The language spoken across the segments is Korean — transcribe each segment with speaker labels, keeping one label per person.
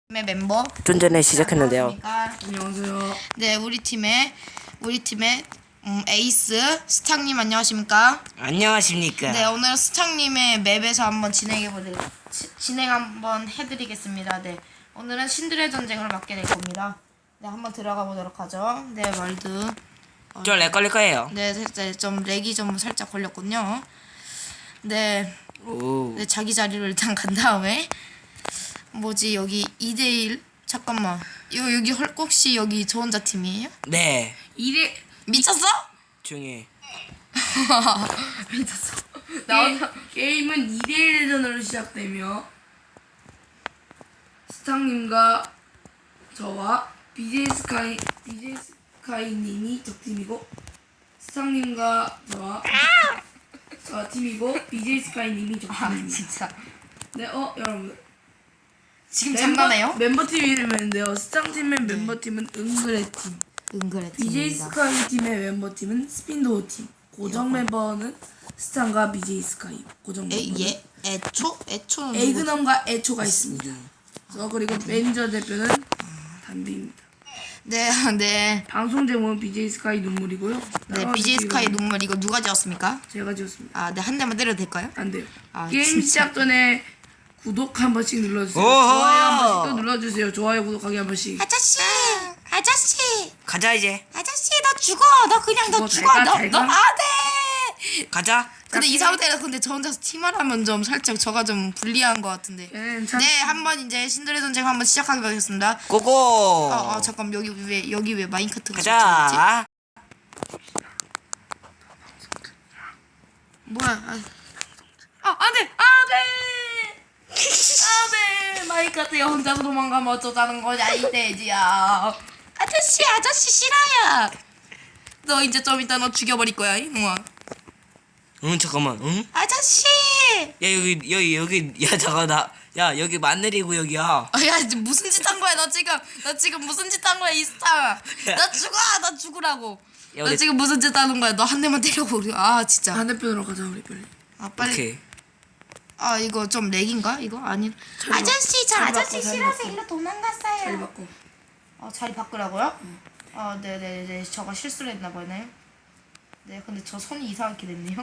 Speaker 1: 팀의 멤버
Speaker 2: 좀 전에 시작했는데요.
Speaker 3: 안녕하세요.
Speaker 1: 네, 우리 팀의 에이스 스탕님 안녕하십니까?
Speaker 2: 안녕하십니까.
Speaker 1: 네, 오늘 스탕님의 맵에서 한번 진행 한번 해드리겠습니다. 네, 오늘은 신들의 전쟁을 맡게 될 겁니다. 네, 한번 들어가 보도록 하죠. 네, 월드.
Speaker 2: 좀 렉 걸릴 거예요.
Speaker 1: 네, 좀 렉이 좀 살짝 걸렸군요. 네,
Speaker 2: 오.
Speaker 1: 네, 자기 자리로 일단 간 다음에 뭐지 여기 2대1 잠깐만 여기 헐꺽씨 여기 저 혼자 팀이에요?
Speaker 2: 네.
Speaker 1: 미쳤어?
Speaker 2: 조용히.
Speaker 1: 미쳤어.
Speaker 3: 게임은 2대1 대전으로 시작되며 스탕님과 저와 BJ 스카이님이 적팀이고 스탕님과 저와 팀이고 BJ 스카이님이 적팀입니다.
Speaker 1: 진짜
Speaker 3: 네, 여러분
Speaker 1: 지금 장난해요?
Speaker 3: 멤버팀 이름인데요. 스탕팀의 멤버팀은 응그레팀,
Speaker 1: 은그레
Speaker 3: BJ
Speaker 1: 팀입니다.
Speaker 3: 스카이팀의 멤버팀은 스핀도어팀, 고정 멤버는 스탕과 BJ 스카이, 고정 멤버는
Speaker 1: 애초는
Speaker 3: 에이그넘과 애초가 있습니다. 그리고 매니저 대표는 담비입니다.
Speaker 1: 네.
Speaker 3: 방송 제목은 BJ 스카이 눈물이고요.
Speaker 1: 네, BJ 스카이 눈물 이거 누가 지었습니까?
Speaker 3: 제가 지었습니다.
Speaker 1: 아, 네, 한 대만 때려도 될까요?
Speaker 3: 안 돼요.
Speaker 1: 아,
Speaker 3: 게임
Speaker 1: 진짜.
Speaker 3: 시작 전에 구독 한 번씩 눌러주세요.
Speaker 2: 오호!
Speaker 3: 좋아요 한 번씩 또 눌러주세요. 좋아요 구독하기 한 번씩.
Speaker 1: 아저씨,
Speaker 2: 가자 이제.
Speaker 1: 아저씨, 나 죽어. 나 그냥 너
Speaker 3: 죽어.
Speaker 1: 죽어.
Speaker 3: 잘 가.
Speaker 1: 너 안돼.
Speaker 2: 가자.
Speaker 1: 근데 이 상태에서 근데 저 혼자서 팀을 하면 좀 살짝 저가 좀 불리한 것 같은데. 네, 한번 이제 신들의 전쟁 한번 시작하게 하겠습니다.
Speaker 2: 고고.
Speaker 1: 잠깐 여기 왜 마인카트가
Speaker 2: 가자.
Speaker 1: 뭐야?
Speaker 3: 안돼.
Speaker 1: 마인카트야 혼자서 도망가면 어쩌자는 거냐 이 돼지야. 아저씨 싫어요. 너 이제 좀 이따 너 죽여버릴 거야 이놈아.
Speaker 2: 응 잠깐만. 응?
Speaker 1: 아저씨.
Speaker 2: 야 여기 야 잠깐 야 여기 마늘이고 여기야.
Speaker 1: 야 지금 무슨 짓 한 거야 너 지금 무슨 짓 한 거야 이스타. 나 죽으라고.
Speaker 2: 야,
Speaker 1: 너
Speaker 2: 우리-
Speaker 1: 지금 무슨 짓 하는 거야? 너 한 대만 때려고 우리 진짜.
Speaker 3: 반대편으로 가자 우리 빨리.
Speaker 1: 빨리.
Speaker 2: 오케이.
Speaker 1: 이거 좀 렉인가? 이거 아니. 아저씨 저 아저씨 싫어서 일로 도망갔어요.
Speaker 3: 자리 바꿔.
Speaker 1: 자리 바꾸라고요? 네네네. 저가 실수를 했나 보네. 네, 근데 저 손이 이상하게 됐네요.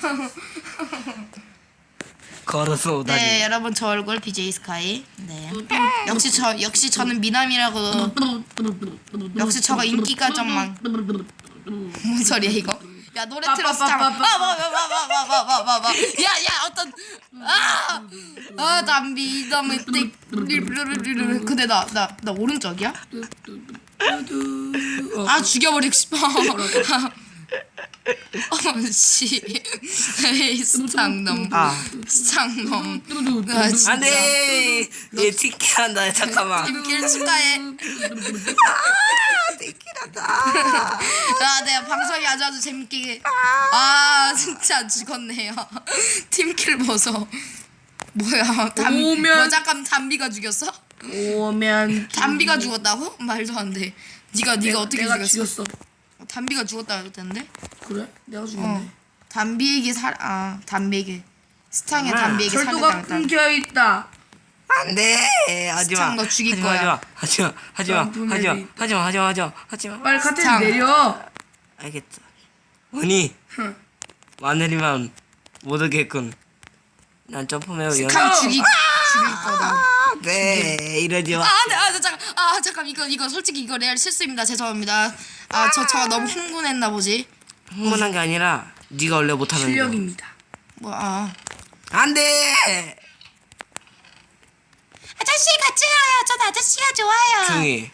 Speaker 2: 걸어서 오다니.
Speaker 1: 네, 여러분 저 얼굴 BJ 스카이. 네. 역시 저는 미남이라고. 역시 저가 인기가 좀 많. 뭔 소리야 이거? 야 노래 틀었어. 야야 어떤 담비 너무 근데 나 오른쪽이야? 죽여버리고 싶어. 씨. 에이 스창놈. 스창놈. 진짜.
Speaker 2: 안돼. 얘 티키한다. 잠깐만.
Speaker 1: 팀킬 축하해.
Speaker 2: 티키한다.
Speaker 1: 네 방송이 아주 재밌게. 진짜 죽었네요. 팀킬 보소. 뭐야? 잠깐 담비가 죽였어?
Speaker 3: 오면
Speaker 1: 담비가 죽었다고? 말도 안 돼. 네가 어떻게
Speaker 3: 내가
Speaker 1: 죽였어?
Speaker 3: 죽였어.
Speaker 1: 담비가 죽었다 그랬는데?
Speaker 3: 그래? 내가 죽였네.
Speaker 1: 담비에게 담비에게 스탕의 담비에게
Speaker 3: 철도가
Speaker 1: 살해당했다.
Speaker 3: 끊겨 있다.
Speaker 2: 안돼. 하지마.
Speaker 1: 스창 너 죽일 거야.
Speaker 2: 하지마.
Speaker 3: 빨리 카트
Speaker 1: 스탕.
Speaker 3: 내려.
Speaker 2: 알겠다. 언니. 마늘이만 못 오겠군. 난 점프매우
Speaker 1: 스탕 죽일 거다.
Speaker 2: 네 이러지 마.
Speaker 1: 잠깐 이거 솔직히 이거 레알 실수입니다. 죄송합니다. 저 너무 흥분했나 보지.
Speaker 2: 흥분한 게 아니라 네가 원래 못하는 거.
Speaker 3: 실력입니다.
Speaker 2: 안돼.
Speaker 1: 아저씨 같이 가요. 전 아저씨가 좋아요.
Speaker 2: 중이.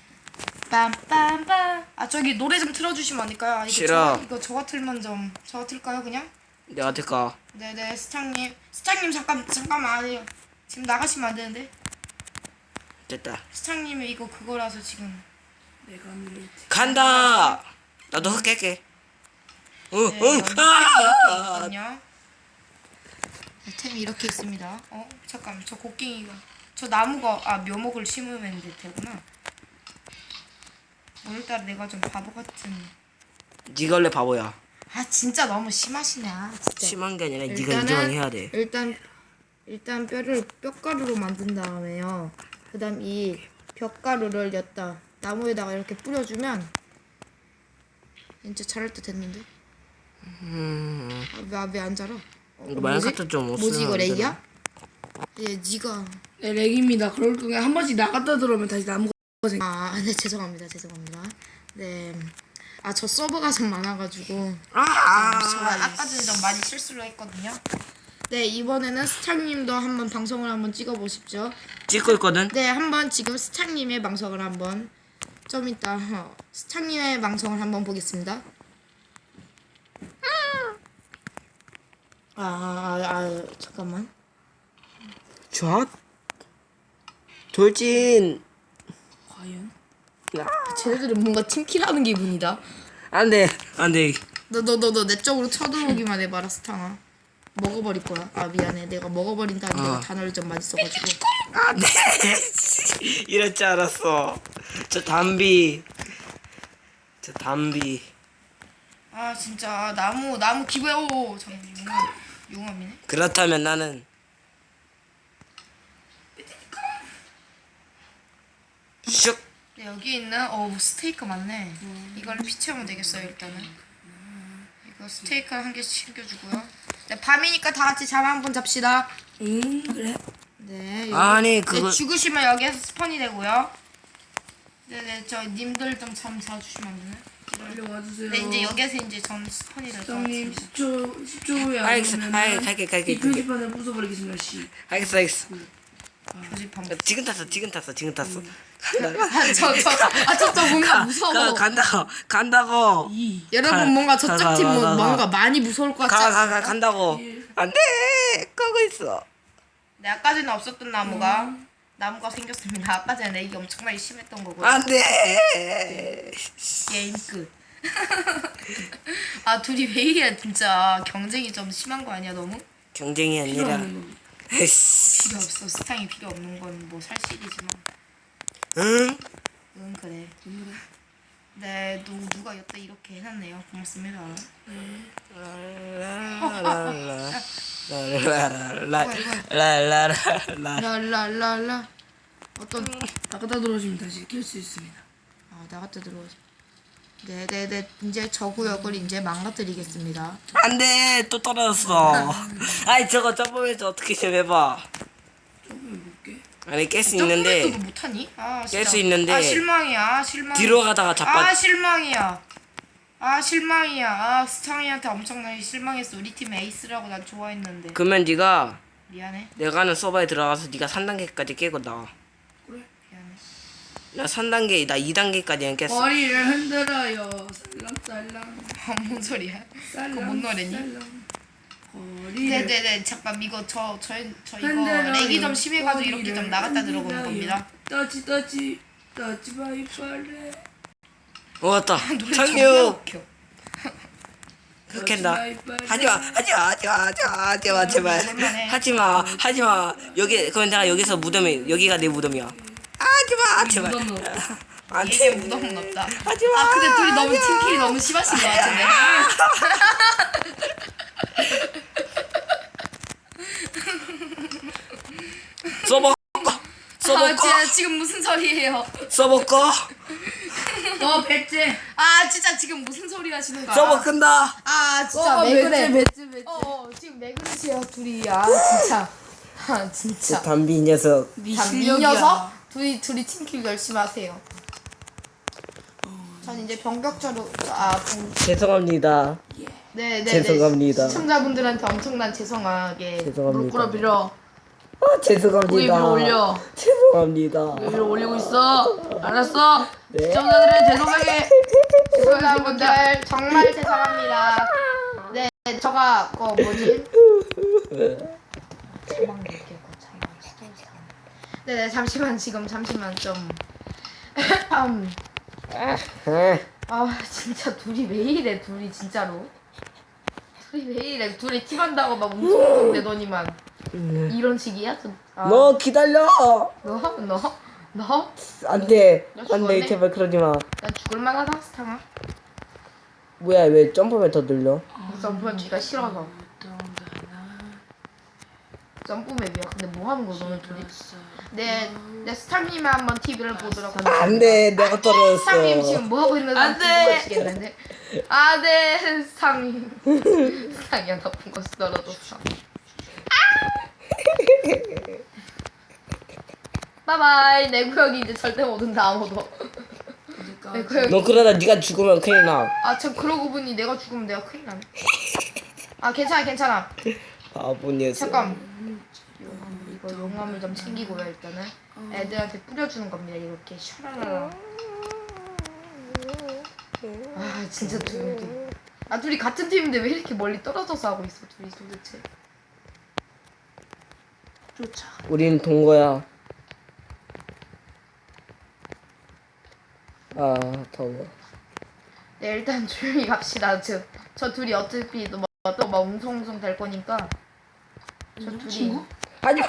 Speaker 1: 빰빰빰. 저기 노래 좀 틀어주시면 안 될까요?
Speaker 2: 싫어.
Speaker 1: 이거 저가 틀면 좀 저가 틀까요 그냥?
Speaker 2: 내가 될까?
Speaker 1: 네네 스탕님 잠깐만 아니요. 지금 나가시면 안 되는데.
Speaker 2: 됐다.
Speaker 1: 스탕님이 이거 그거라서 지금.
Speaker 3: 내가 밀.
Speaker 2: 간다. 나도 흑 깰게.
Speaker 1: 네, 이렇게 있거든요. 템이 이렇게 있습니다. 잠깐 저 곡괭이가 저 나무가 묘목을 심으면 되구나. 오늘따라 내가 좀 바보 같은.
Speaker 2: 네가 원래 바보야.
Speaker 1: 진짜 너무 심하시네. 진짜.
Speaker 2: 심한 게 아니라 네가
Speaker 1: 일단은-
Speaker 2: 인정을 해야 돼.
Speaker 1: 일단 뼈를 뼈가루로 만든 다음에요. 그다음 이 벽가루를 엿다 나무에다가 이렇게 뿌려주면 진짜 자랄 듯 됐는데. 왜 안 자라?
Speaker 2: 이거 마인크래프트 좀
Speaker 1: 뭐지 이거
Speaker 2: 없으면 안
Speaker 1: 렉이야? 얘 니가
Speaker 3: 네, 렉입니다. 그럴 경우에 한 번씩 나갔다 들어오면 다시 나무가 생.
Speaker 1: 네 죄송합니다. 네. 아 저 서버가 좀 많아가지고 제가 아까 전에 좀 많이 실수를 했거든요. 네 이번에는 스타님도 한번 방송을 한번 찍어보십시오.
Speaker 2: 찍고 있거든.
Speaker 1: 네 한번 지금 스타님의 방송을 한번 좀 이따 스타님의 방송을 한번 보겠습니다. 잠깐만.
Speaker 2: 좌 돌진.
Speaker 3: 과연?
Speaker 1: 쟤네들은 뭔가 팀킬하는 기분이다.
Speaker 2: 안돼.
Speaker 1: 너 내 쪽으로 쳐들어오기만 해봐라 스탕아. 먹어버릴 거야. 아 미안해. 내가 먹어버린다는 내가 단어를 좀 많이 써가지고.
Speaker 2: 안돼. 이럴 줄 알았어. 저 담비.
Speaker 1: 아 진짜 나무 기부해. 오 잠깐 용암이네.
Speaker 2: 그렇다면 나는 슉.
Speaker 1: 네, 여기 있는 스테이크 많네. 이걸로 피 채우면 되겠어요 일단은. 이거 스테이크 한 개씩 챙겨주고요. 네 밤이니까 다 같이 잠 한번 잡시다.
Speaker 3: 그래.
Speaker 1: 네. 여기,
Speaker 2: 아니, 그거-
Speaker 1: 네, 죽으시면 여기에서 스폰이 되고요. 네네 저 님들 좀 잠 자주시면 안 되나?
Speaker 3: 빨리 와주세요.
Speaker 1: 네 이제 여기에서 이제 전 스폰이 될 것
Speaker 3: 형님
Speaker 1: 같습니다.
Speaker 3: 10초 후에 안
Speaker 2: 알겠어.
Speaker 3: 오면
Speaker 2: 갈게.
Speaker 3: 이 표지판을 부숴버리겠습니다. 씨.
Speaker 2: 알겠어.
Speaker 1: 교집합.
Speaker 2: 지금 탔어.
Speaker 1: 저쪽 뭔가 무서워.
Speaker 2: 간다고.
Speaker 1: 여러분 뭔가 저쪽 팀
Speaker 2: 가.
Speaker 1: 뭔가 많이 무서울 것 같지 않아요?
Speaker 2: 간다고. 안돼. 끄고 있어.
Speaker 1: 네 아까 전에 없었던 나무가 생겼습니다. 아까 전에 렉이 엄청 많이 심했던 거고요.
Speaker 2: 안돼.
Speaker 1: 게임 끝. 아 둘이 왜 이래 진짜 경쟁이 좀 심한 거 아니야 너무?
Speaker 2: 경쟁이
Speaker 3: 필요
Speaker 2: 아니라.
Speaker 3: 없는 거.
Speaker 2: 에이씨.
Speaker 1: 필요 없어. 스탕이 필요 없는 건 뭐 살식이지만.
Speaker 2: 응?
Speaker 1: 응 그래. 네 누가 여태 이렇게 해놨네요. 고맙습니다. 랄랄랄라. 어떤
Speaker 3: 나갔다 들어오시면 다시 킬 수 있습니다.
Speaker 1: 나갔다 들어오지. 네네네 이제 저 구역을 이제 망가뜨리겠습니다.
Speaker 2: 안돼. 또 떨어졌어. 아이 저거 점프해서 어떻게 좀 해봐.
Speaker 3: 조금 볼게.
Speaker 2: 아니 깰 수
Speaker 1: 점프도
Speaker 2: 있는데
Speaker 1: 못하니? 아
Speaker 2: 깰
Speaker 1: 진짜.
Speaker 2: 수 있는데
Speaker 1: 아 실망이야. 실망.
Speaker 2: 뒤로 가다가 자빠.
Speaker 1: 실망이야. 실망이야. 스탕이한테 엄청나게 실망했어. 우리 팀 에이스라고 난 좋아했는데.
Speaker 2: 그러면 네가
Speaker 1: 미안해.
Speaker 2: 내가 하는 서버에 들어가서 네가 3단계까지 깨고 나와.
Speaker 3: 그래.
Speaker 1: 미안해.
Speaker 2: 나 3단계, 나 2단계까지는 깼어.
Speaker 3: 머리를 흔들어요. 살랑살랑.
Speaker 1: 뭔 소리야?
Speaker 3: 살랑.
Speaker 1: 그거 뭔 노래니?
Speaker 3: 살랑. 머리를
Speaker 1: 네네네 잠깐 이거 저 이거
Speaker 3: 흔들어요.
Speaker 1: 렉이 좀 심해가지고 이렇게 좀
Speaker 3: 머리를
Speaker 1: 나갔다 들어오는
Speaker 3: 흔들어요.
Speaker 1: 겁니다.
Speaker 3: 떠지 바이빨레.
Speaker 2: 왔다.
Speaker 1: 노래 존나
Speaker 2: 착륙.
Speaker 1: 웃겨.
Speaker 2: 흑캔다. 하지마 제발.
Speaker 1: 그만해.
Speaker 2: 하지마. 여기 그럼 내가 여기서 무덤에 여기가 내 무덤이야. 하지마 제발.
Speaker 3: 무덤은
Speaker 1: 이게
Speaker 2: 안돼.
Speaker 1: 무덤은 없다.
Speaker 2: 하지마.
Speaker 1: 근데 둘이 너무 팀킬이 너무 심하신 것 같은데.
Speaker 2: 서버
Speaker 1: 진짜 지금 무슨 소리예요?
Speaker 2: 서버 꺼.
Speaker 3: 너 배째.
Speaker 1: 진짜 지금 무슨 소리 하시는 거야?
Speaker 2: 서버 끈다.
Speaker 1: 진짜 왜 그래?
Speaker 3: 배째.
Speaker 1: 지금 왜 그러세요 둘이? 진짜.
Speaker 2: 담비 녀석.
Speaker 3: 네
Speaker 1: 이 녀석? 둘이 팀킬 열심히 하세요. 전 이제 병격자로
Speaker 2: 죄송합니다.
Speaker 1: 네네
Speaker 2: 죄송합니다.
Speaker 1: 시청자분들한테 엄청난 죄송하게
Speaker 2: 죄송합니다.
Speaker 3: 무릎 밀어.
Speaker 2: 죄송합니다.
Speaker 3: 고개 위로 올려.
Speaker 2: 죄송합니다.
Speaker 3: 위로 올리고 있어. 알았어.
Speaker 2: 네.
Speaker 3: 시청자들은 죄송하게.
Speaker 1: 시청자분들 정말 죄송합니다. 네 저가 뭐지? 네네 잠시만 좀 진짜 둘이 왜 이래 둘이 진짜로 둘이 왜 이래 둘이 팀한다고 막 엄청 내더니만 이런 식이야?
Speaker 2: 너 기다려.
Speaker 1: 너?
Speaker 2: 안돼.
Speaker 1: 너 죽었네?
Speaker 2: 안돼 제발 그러지 마.
Speaker 1: 난 죽을만하다 스탕아.
Speaker 2: 뭐야 왜 점프면 더 늘려?
Speaker 1: 점프는 네가 싫어서. 점프 맵이야. 근데 뭐 하는 거야 너는 둘이? 내 스타님이 한번 TV를 보도록 하겠습니다.
Speaker 2: 안돼 내가
Speaker 1: 스타님
Speaker 2: 떨어졌어.
Speaker 1: 지금 뭐 하고 있는지
Speaker 3: 안 돼.
Speaker 1: 보시겠는데? 네 스타님. 스타님이 나쁜 것이 떨어졌어. 바이바이. 내 구역이 이제 절대 못 온다 아무도. 내 구역이.
Speaker 2: 너 그러다 네가 죽으면 큰일 나.
Speaker 1: 참 그러고 보니 내가 죽으면 내가 큰일 나네. 괜찮아.
Speaker 2: 바보 녀석.
Speaker 1: 잠깐. 이거 용암을 좀 챙기고요 일단은. 애들한테 뿌려주는 겁니다 이렇게 샤라라라. 진짜 둘이 같은 팀인데 왜 이렇게 멀리 떨어져서 하고 있어 둘이 도대체.
Speaker 3: 쫓아.
Speaker 2: 우린 동거야. 아 더워.
Speaker 1: 네 일단 조용히 갑시다. 저 둘이 어차피 또막 웅성웅성 될 거니까. 저 둘이
Speaker 3: 친구?
Speaker 2: 하지마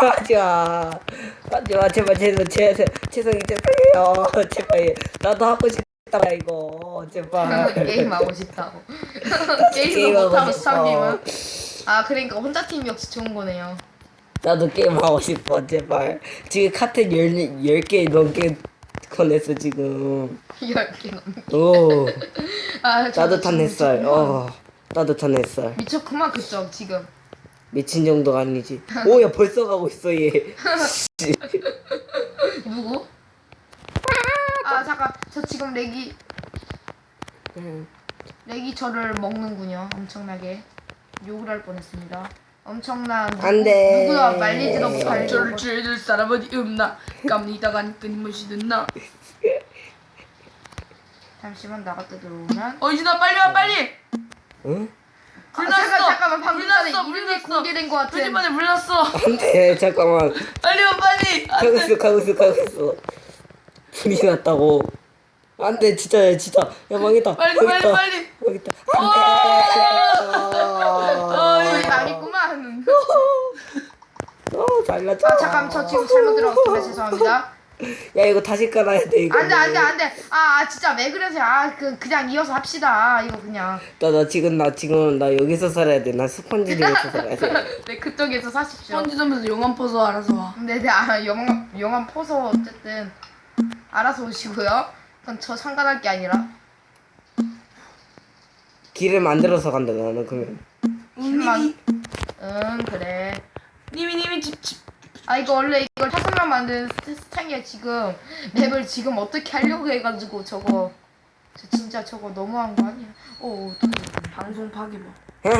Speaker 2: 제발 죄송해요 제발 나도 하고 싶다 이거 제발.
Speaker 1: 게임하고 싶다고. 게임도
Speaker 2: 게임하고
Speaker 1: 못하고
Speaker 2: 싶어.
Speaker 1: 스타님은. 그러니까 혼자 팀이 역시 좋은 거네요.
Speaker 2: 나도 게임 하고 싶어 제발. 지금 카트 10개 넘게 꺼냈어 지금.
Speaker 1: 10개 넘게.
Speaker 2: 오
Speaker 1: 저도
Speaker 2: 나도
Speaker 1: 지금
Speaker 2: 탄 나도 탄 햇살.
Speaker 1: 미쳤구만 그쪽 지금.
Speaker 2: 미친 정도가 아니지. 오야 벌써 가고 있어 얘.
Speaker 1: 누구? 잠깐 저 지금 렉이 저를 먹는군요. 엄청나게 욕을 할 뻔했습니다. 엄청난
Speaker 2: 안 돼.
Speaker 1: 누구나 말리지도 못할
Speaker 3: 저를 죄줄 사람은 없나? 깜니다간 끊임없이 듣나?
Speaker 1: 잠시만 나갔다 들어오면.
Speaker 3: 어이진아 빨리 와 빨리.
Speaker 2: 응?
Speaker 1: 잠깐만 방금 전에
Speaker 3: 불났어,
Speaker 1: 이름이
Speaker 3: 불났어.
Speaker 1: 공개된 것 같은.
Speaker 3: 표지판에 불났어.
Speaker 2: 안돼 잠깐만.
Speaker 3: 빨리 와 빨리.
Speaker 2: 가고 있어. 불이 났다고. 안돼 진짜 야 망했다.
Speaker 3: 빨리.
Speaker 2: 망했다. 안돼.
Speaker 1: 우리 망했구만.
Speaker 2: 잘났다.
Speaker 1: 잠깐 저 지금 잘못 들어갔습니다. 죄송합니다.
Speaker 2: 야 이거 다시 깔아야 돼 이거.
Speaker 1: 안돼. 진짜 왜 그러세요? 그냥 이어서 합시다. 이거 그냥.
Speaker 2: 나 지금 나 여기서 살아야 돼. 나 스펀지링에서 살아야 돼.
Speaker 1: 네 그쪽에서 사십시오.
Speaker 3: 편지점에서 용암 퍼서 알아서 와.
Speaker 1: 네네 영암 포서 어쨌든 알아서 오시고요. 그건 저 상관할 게 아니라.
Speaker 2: 길을 만들어서 간다 나는 그러면.
Speaker 1: 길만. 그래.
Speaker 3: 님이 집.
Speaker 1: 이거 원래 이걸 5명 만든 스타일이야 지금. 맵을 지금 어떻게 하려고 해가지고 저거. 저 진짜 저거 너무한 거 아니야? 어떡해.
Speaker 3: 방송 파괴 뭐.